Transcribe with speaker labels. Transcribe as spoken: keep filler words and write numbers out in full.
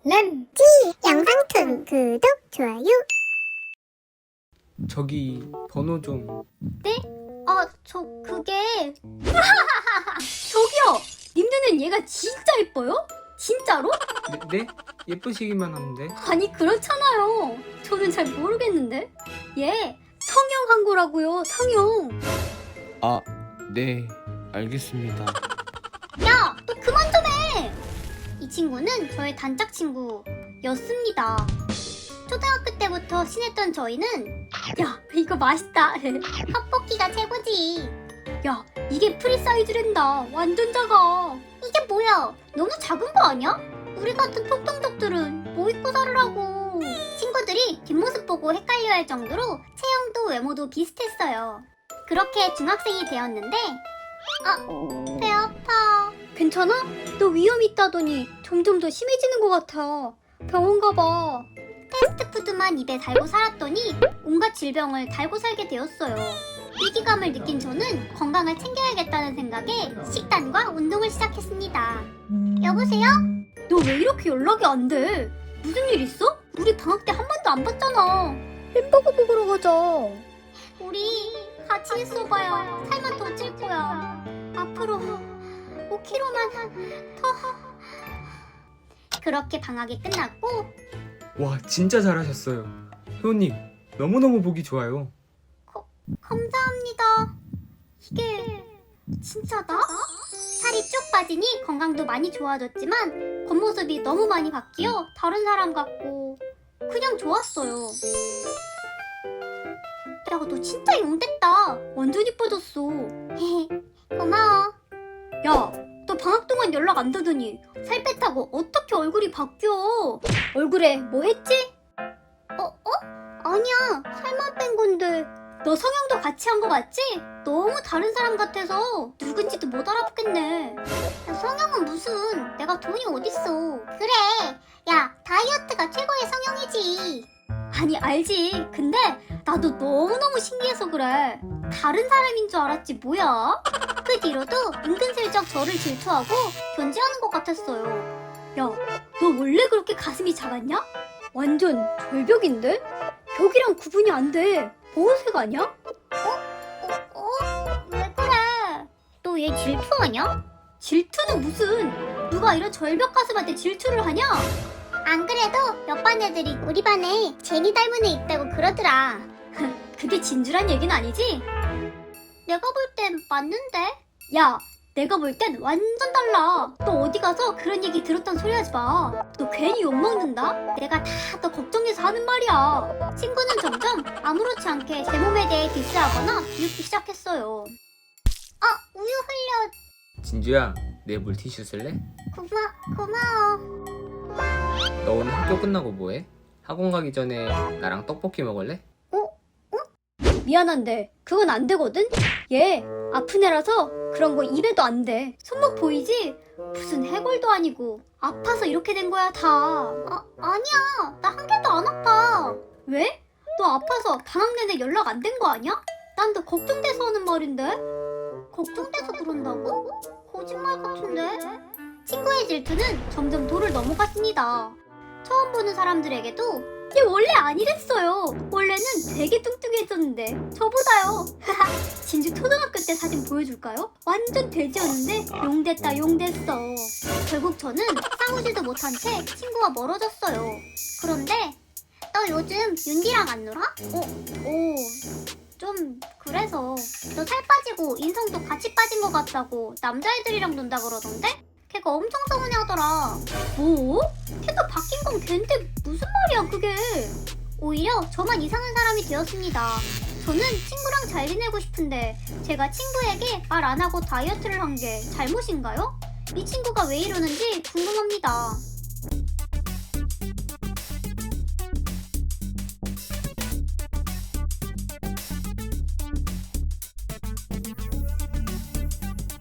Speaker 1: 램지 영상툰 구독, 좋아요.
Speaker 2: 저기 번호 좀.
Speaker 3: 네? 아, 저 그게 저기요! 님 눈엔 얘가 진짜 예뻐요? 진짜로?
Speaker 2: 네? 네? 예쁘시기만 한데.
Speaker 3: 아니 그렇잖아요. 저는 잘 모르겠는데. 얘 성형한 거라고요. 성형.
Speaker 4: 아, 네, 알겠습니다.
Speaker 3: 야, 너 그만 좀 해. 이 친구는 저의 단짝 친구였습니다. 초등학교 때부터 친했던 저희는 야, 이거 맛있다. 핫볶이가 최고지. 야, 이게 프리 사이즈랜다. 완전 작아. 이게 뭐야? 너무 작은 거 아니야? 우리 같은 톡통족들은 뭐 입고 살으라고. 친구들이 뒷모습 보고 헷갈려할 정도로 체형도 외모도 비슷했어요. 그렇게 중학생이 되었는데 아, 배 아파. 괜찮아? 너 위험 있다더니 점점 더 심해지는 것 같아. 병원 가봐. 패스트푸드만 입에 달고 살았더니 온갖 질병을 달고 살게 되었어요. 위기감을 느낀 저는 건강을 챙겨야겠다는 생각에 식단과 운동을 시작했습니다. 여보세요? 너 왜 이렇게 연락이 안 돼? 무슨 일 있어? 우리 방학 때 한 번도 안 봤잖아. 햄버거 먹으러 가자. 우리 같이 있어봐야 살만 더 찔 거야. 앞으로 오 킬로그램만 더. 그렇게 방학이 끝났고
Speaker 2: 와, 진짜 잘하셨어요. 효님, 너무너무 보기 좋아요.
Speaker 3: 감사합니다. 이게 진짜다? 살이 쭉 빠지니 건강도 많이 좋아졌지만 겉모습이 너무 많이 바뀌어 다른 사람 같고 그냥 좋았어요. 야, 너 진짜 용됐다. 완전 이뻐졌어. 고마워. 야, 너 방학 동안 연락 안 되더니 살 뺐다고 어떻게 얼굴이 바뀌어? 얼굴에 뭐 했지? 어? 어? 아니야, 살만 뺀 건데. 너 성형도 같이 한 거 맞지? 너무 다른 사람 같아서 누군지도 못 알아보겠네. 야, 성형은 무슨, 내가 돈이 어딨어. 그래, 야, 다이어트가 최고의 성형이지. 아니, 알지. 근데 나도 너무너무 신기해서 그래. 다른 사람인 줄 알았지 뭐야. 그 뒤로도 은근슬쩍 저를 질투하고 견제하는 것 같았어요. 야, 너 원래 그렇게 가슴이 작았냐? 완전 절벽인데? 벽이랑 구분이 안 돼. 보호색 아니야? 어? 어? 어? 왜 그래? 너 얘 질투하냐? 질투는 무슨? 누가 이런 절벽 가슴한테 질투를 하냐? 안 그래도 옆반 애들이 우리 반에 제니 닮은 애 있다고 그러더라. 그게 진주란 얘기는 아니지? 내가 볼 땐 맞는데? 야, 내가 볼 땐 완전 달라. 너 어디 가서 그런 얘기 들었단 소리 하지 마. 너 괜히 욕먹는다? 내가 다 너 걱정해서 하는 말이야. 친구는 점점 아무렇지 않게 제 몸에 대해 디스하거나 비웃기 시작했어요. 아, 우유 흘려.
Speaker 2: 진주야, 내 물티슈 쓸래?
Speaker 3: 고마, 고마워.
Speaker 2: 너 오늘 학교 끝나고 뭐해? 학원 가기 전에 나랑 떡볶이 먹을래?
Speaker 3: 미안한데 그건 안 되거든? 얘 아픈 애라서 그런 거 입에도 안 돼. 손목 보이지? 무슨 해골도 아니고 아파서 이렇게 된 거야 다. 아, 아니야, 나 한 개도 안 아파. 왜? 너 아파서 방학 내내 연락 안 된 거 아니야? 난 너 걱정돼서 하는 말인데. 걱정돼서 그런다고? 거짓말 같은데. 친구의 질투는 점점 도를 넘어갔습니다. 처음 보는 사람들에게도 얘 원래 아니랬어요. 원래는 되게 뚱뚱했었는데 저보다요. 진주 초등학교 때 사진 보여줄까요? 완전 돼지였는데 용됐다 용됐어. 결국 저는 싸우지도 못한 채 친구와 멀어졌어요. 그런데 너 요즘 윤디랑 안 놀아? 어? 오, 좀 그래서. 너 살 빠지고 인성도 같이 빠진 것 같다고 남자애들이랑 논다 그러던데? 걔가 엄청 서운해하더라. 뭐? 걔가 바뀐 건 걔인데 무슨 말이야 그게. 오히려 저만 이상한 사람이 되었습니다. 저는 친구랑 잘 지내고 싶은데 제가 친구에게 말 안 하고 다이어트를 한 게 잘못인가요? 이 친구가 왜 이러는지 궁금합니다.